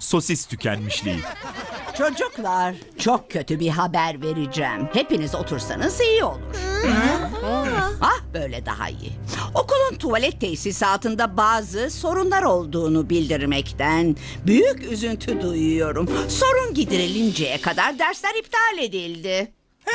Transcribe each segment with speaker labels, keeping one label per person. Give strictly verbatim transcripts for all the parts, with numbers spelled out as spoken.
Speaker 1: sosis tükenmişliği.
Speaker 2: Çocuklar, çok kötü bir haber vereceğim. Hepiniz otursanız iyi olur. Ah, böyle daha iyi. Okulun tuvalet tesisatında bazı sorunlar olduğunu bildirmekten büyük üzüntü duyuyorum. Sorun giderilinceye kadar dersler iptal edildi.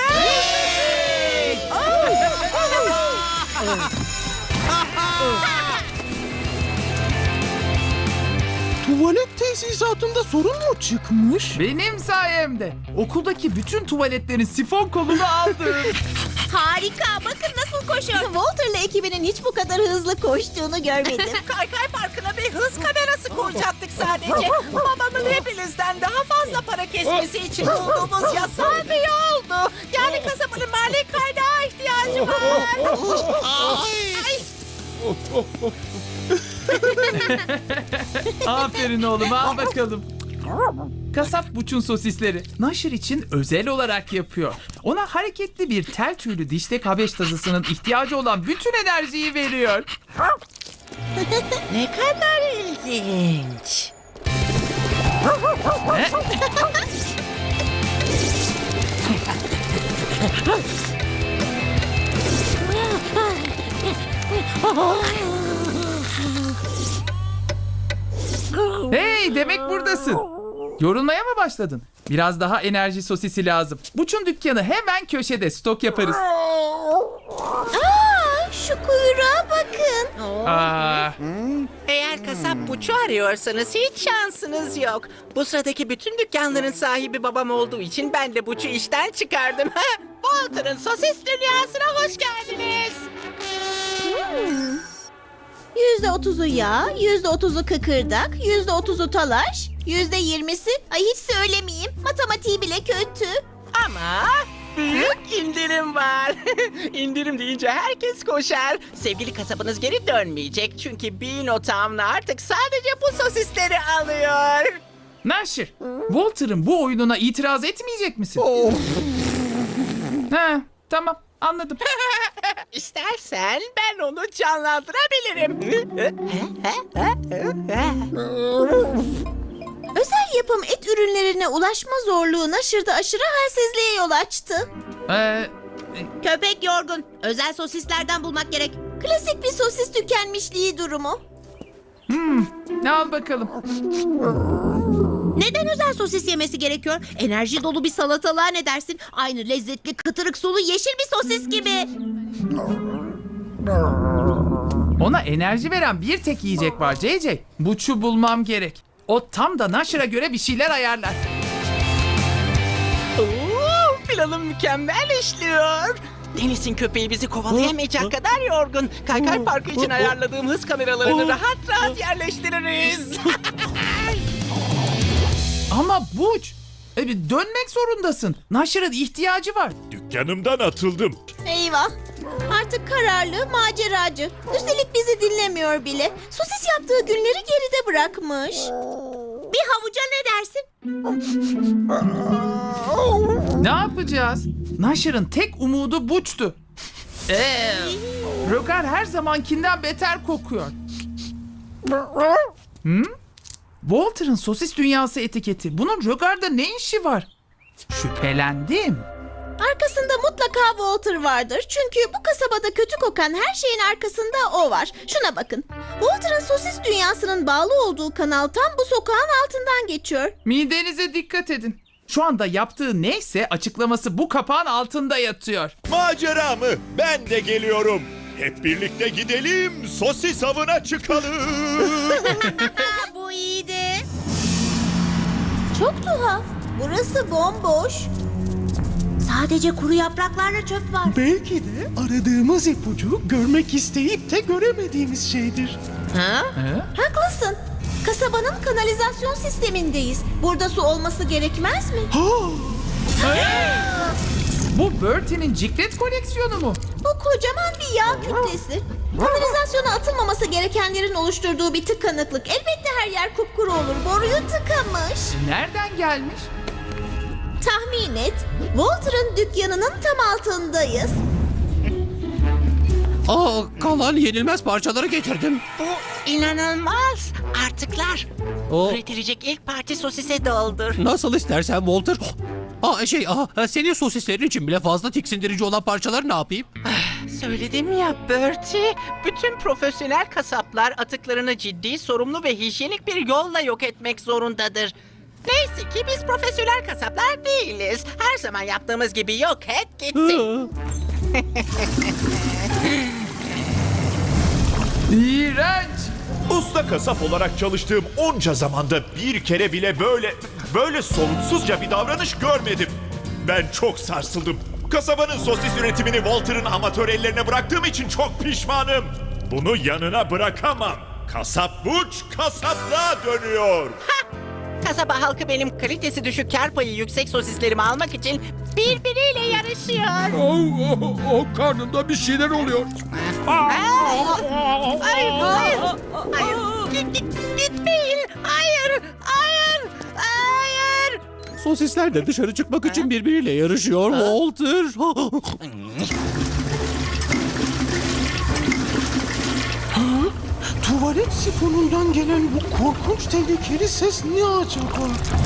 Speaker 3: Tuvalet tesisatında sorun mu çıkmış?
Speaker 4: Benim sayemde. Okuldaki bütün tuvaletlerin sifon kolunu aldım.
Speaker 5: Harika. Bakın nasıl koşuyor. Walter'la ekibinin hiç bu kadar hızlı koştuğunu görmedim.
Speaker 6: Kaykay Parkı'na bir hız kamerası koyacaktık sadece. Babamın hepinizden daha fazla para kesmesi için bulduğumuz yasal bir yoldu. Yani kasabanın mali kaynağı ihtiyacı var. Ay.
Speaker 4: Aferin oğlum, al bakalım. Kasap Buç'un sosisleri Naşır için özel olarak yapıyor. Ona hareketli bir tel tüylü diştek habeş tazısının ihtiyacı olan bütün enerjiyi veriyor.
Speaker 6: Ne kadar ilginç.
Speaker 4: Hey, demek buradasın. Yorulmaya mı başladın? Biraz daha enerji sosisi lazım. Buç'un dükkanı hemen köşede, stok yaparız.
Speaker 5: Aa, şu kuyruğa bakın.
Speaker 4: Aa,
Speaker 6: Eğer kasap buçu arıyorsanız hiç şansınız yok. Bu sıradaki bütün dükkanların sahibi babam olduğu için ben de buçu işten çıkardım. Walter'ın sosis dünyasına hoş geldiniz.
Speaker 5: Yüzde otuzu yağ, yüzde otuzu kıkırdak, yüzde otuzu talaş, yüzde yirmisi... Ay hiç söylemeyeyim. Matematiği bile kötü.
Speaker 6: Ama büyük indirim var. İndirim deyince herkes koşar. Sevgili kasabınız geri dönmeyecek. Çünkü Bean Town artık sadece bu sosisleri alıyor.
Speaker 4: Naşır, Walter'ın bu oyununa itiraz etmeyecek misin? Ha, tamam, anladım.
Speaker 6: İstersen ben onu canlandırabilirim.
Speaker 5: Özel yapım et ürünlerine ulaşma zorluğu Naşır'da aşırı halsizliğe yol açtı.
Speaker 4: Ee,
Speaker 5: Köpek yorgun. Özel sosislerden bulmak gerek. Klasik bir sosis tükenmişliği durumu.
Speaker 4: ne al bakalım.
Speaker 5: Neden özel sosis yemesi gerekiyor? Enerji dolu bir salatalığa ne dersin? Aynı lezzetli kıtırık sulu yeşil bir sosis gibi.
Speaker 4: Ona enerji veren bir tek yiyecek var C C. Buç'u bulmam gerek. O tam da Naşır'a göre bir şeyler ayarlar.
Speaker 6: Oo, planım mükemmel işliyor. Deniz'in köpeği bizi kovalayamayacak kadar yorgun. Kaykay Parkı için ayarladığım hız kameralarını rahat rahat yerleştiririz.
Speaker 4: Ama Buç, e, dönmek zorundasın. Naşır'ın ihtiyacı var.
Speaker 1: Dükkanımdan atıldım.
Speaker 5: Eyvah. Artık kararlı, maceracı. Üstelik bizi dinlemiyor bile. Sosis yaptığı günleri geride bırakmış. Bir havuca ne dersin?
Speaker 4: Ne yapacağız? Naşır'ın tek umudu Buç'tu. Ee, Rogar her zamankinden beter kokuyor. Hı? Walter'ın sosis dünyası etiketi. Bunun Rogar'da ne işi var? Şüphelendim.
Speaker 5: Arkasında mutlaka Walter vardır. Çünkü bu kasabada kötü kokan her şeyin arkasında o var. Şuna bakın. Walter'ın sosis dünyasının bağlı olduğu kanal tam bu sokağın altından geçiyor.
Speaker 4: Midenize dikkat edin. Şu anda yaptığı neyse açıklaması bu kapağın altında yatıyor.
Speaker 1: Macera mı? Ben de geliyorum. Hep birlikte gidelim, sosis avına çıkalım.
Speaker 5: Bu iyiydi. Çok tuhaf. Burası bomboş. Sadece kuru yapraklarla çöp var.
Speaker 3: Belki de aradığımız ipucu görmek isteyip de göremediğimiz şeydir.
Speaker 4: He?
Speaker 5: Haklısın. Kasabanın kanalizasyon sistemindeyiz. Burada su olması gerekmez mi?
Speaker 4: Bu Bertie'nin ciklet koleksiyonu mu?
Speaker 5: Bu kocaman bir yağ kütlesi. Kanalizasyona atılmaması gerekenlerin oluşturduğu bir tıkanıklık. Elbette her yer kupkuru olur. Boruyu tıkamış.
Speaker 4: Nereden gelmiş?
Speaker 5: Tahmin et. Walter'ın dükkanının tam altındayız.
Speaker 7: Aa, kalan yenilmez parçaları getirdim.
Speaker 6: Bu inanılmaz. Artıklar.
Speaker 7: O
Speaker 6: Üretilecek ilk parti sosise doldur.
Speaker 7: nasıl istersen Walter. Aa, şey, aa, senin sosislerin için bile fazla tiksindirici olan parçaları ne yapayım?
Speaker 6: Söyledim ya Bertie. Bütün profesyonel kasaplar atıklarını ciddi, sorumlu ve hijyenik bir yolla yok etmek zorundadır. Neyse ki biz profesyonel kasaplar değiliz. Her zaman yaptığımız gibi yok et gitsin.
Speaker 4: İğrenç.
Speaker 1: Usta kasap olarak çalıştığım onca zamanda bir kere bile böyle böyle soluksuzca bir davranış görmedim. Ben çok sarsıldım. Kasabanın sosis üretimini Walter'ın amatör ellerine bıraktığım için çok pişmanım. Bunu yanına bırakamam. Kasap buç kasaplığa dönüyor.
Speaker 6: Kasaba halkı benim kalitesi düşük, kar payı yüksek sosislerimi almak için birbiriyle yarışıyor.
Speaker 7: O karnımda bir şeyler oluyor.
Speaker 6: Hayır, hayır, hayır. Git, git, gitmeyin. Hayır, hayır, hayır.
Speaker 7: Sosisler de dışarı çıkmak için birbiriyle yarışıyor Walter.
Speaker 3: Tuvalet sifonundan gelen bu korkunç tehlikeli ses ne acaba?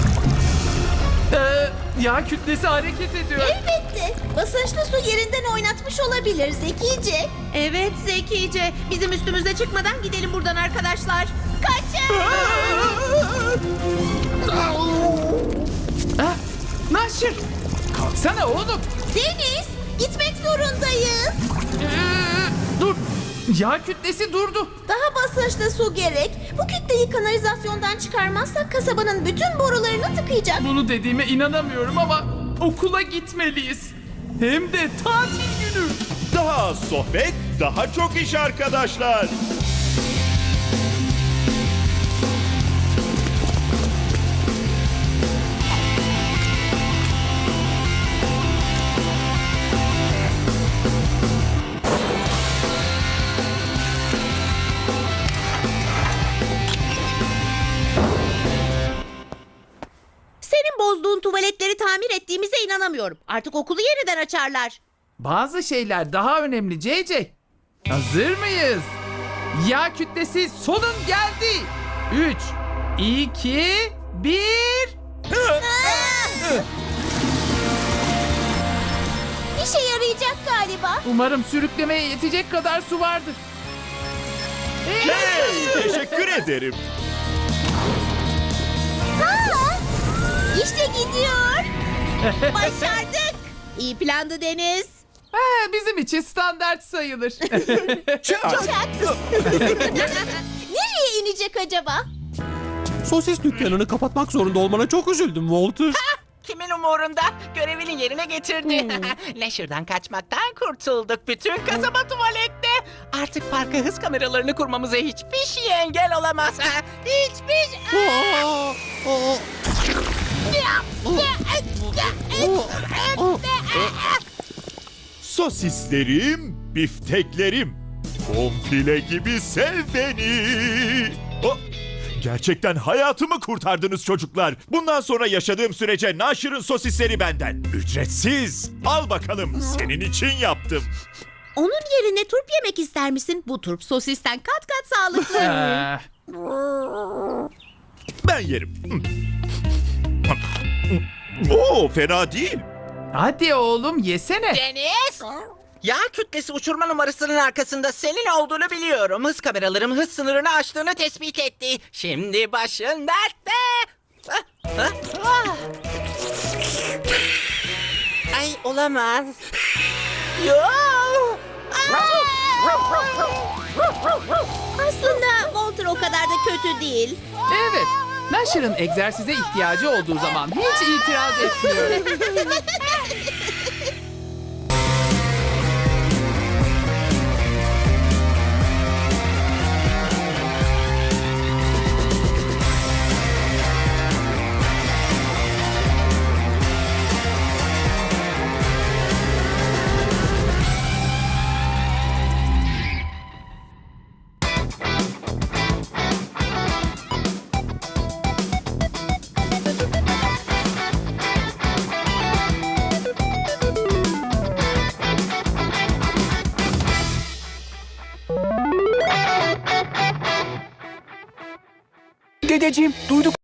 Speaker 4: Ee, yağ kütlesi hareket ediyor.
Speaker 5: Elbette. Basınçlı su yerinden oynatmış olabilir zekice. Evet zekice. Bizim üstümüze çıkmadan gidelim buradan arkadaşlar. Kaçın!
Speaker 4: Ha? Naşır. Kalksana oğlum.
Speaker 5: Deniz, gitmek zorundayız.
Speaker 4: Ee, dur. Yağ kütlesi durdu.
Speaker 5: Daha basınçlı su gerek. Bu kütleyi kanalizasyondan çıkarmazsak kasabanın bütün borularını tıkayacak.
Speaker 4: Bunu dediğime inanamıyorum ama okula gitmeliyiz. Hem de tatil günü.
Speaker 1: Daha az sohbet, daha çok iş arkadaşlar.
Speaker 5: Senin bozduğun tuvaletleri tamir ettiğimize inanamıyorum. Artık okulu yeniden açarlar.
Speaker 4: Bazı şeyler daha önemli C C. Hazır mıyız? Yağ kütlesi sonun geldi. Üç, iki, bir.
Speaker 5: İşe yarayacak galiba.
Speaker 4: Umarım sürüklemeye yetecek kadar su vardır.
Speaker 1: Hey, teşekkür ederim.
Speaker 5: Ha! İşte gidiyor. Başardık. İyi plandı Deniz.
Speaker 4: Ha, bizim için standart sayılır.
Speaker 5: Çak. Nereye inecek acaba?
Speaker 7: Sosis dükkanını kapatmak zorunda olmana çok üzüldüm Walter.
Speaker 6: Kimin umurunda? Görevini yerine getirdi. Leşir'den kaçmaktan kurtulduk. Bütün kasaba tuvalette. Artık parka hız kameralarını kurmamıza hiçbir şey engel olamaz. Hiçbir şey.
Speaker 7: Aa, aa.
Speaker 1: Sosislerim, bifteklerim. Bonfile gibi sev beni. Oh, gerçekten hayatımı kurtardınız çocuklar. Bundan sonra yaşadığım sürece Naşır'ın sosisleri benden. Ücretsiz. Al bakalım, senin için yaptım.
Speaker 5: Onun yerine turp yemek ister misin? Bu turp sosisten kat kat sağlıklı.
Speaker 4: Ee,
Speaker 1: Ben yerim. Oo, fena değil.
Speaker 4: hadi oğlum yesene.
Speaker 6: Deniz! Yağ kütlesi uçurma numarasının arkasında senin olduğunu biliyorum. Hız kameralarım hız sınırını aştığını tespit etti. Şimdi başın dertte. Ah, ah, ah. Ay olamaz. Yo! Ah!
Speaker 5: Aslında Walter o kadar da kötü değil.
Speaker 4: Evet. Naşır'ın egzersize ihtiyacı olduğu zaman hiç itiraz etmiyorum.
Speaker 8: Dedeciğim, duyduk.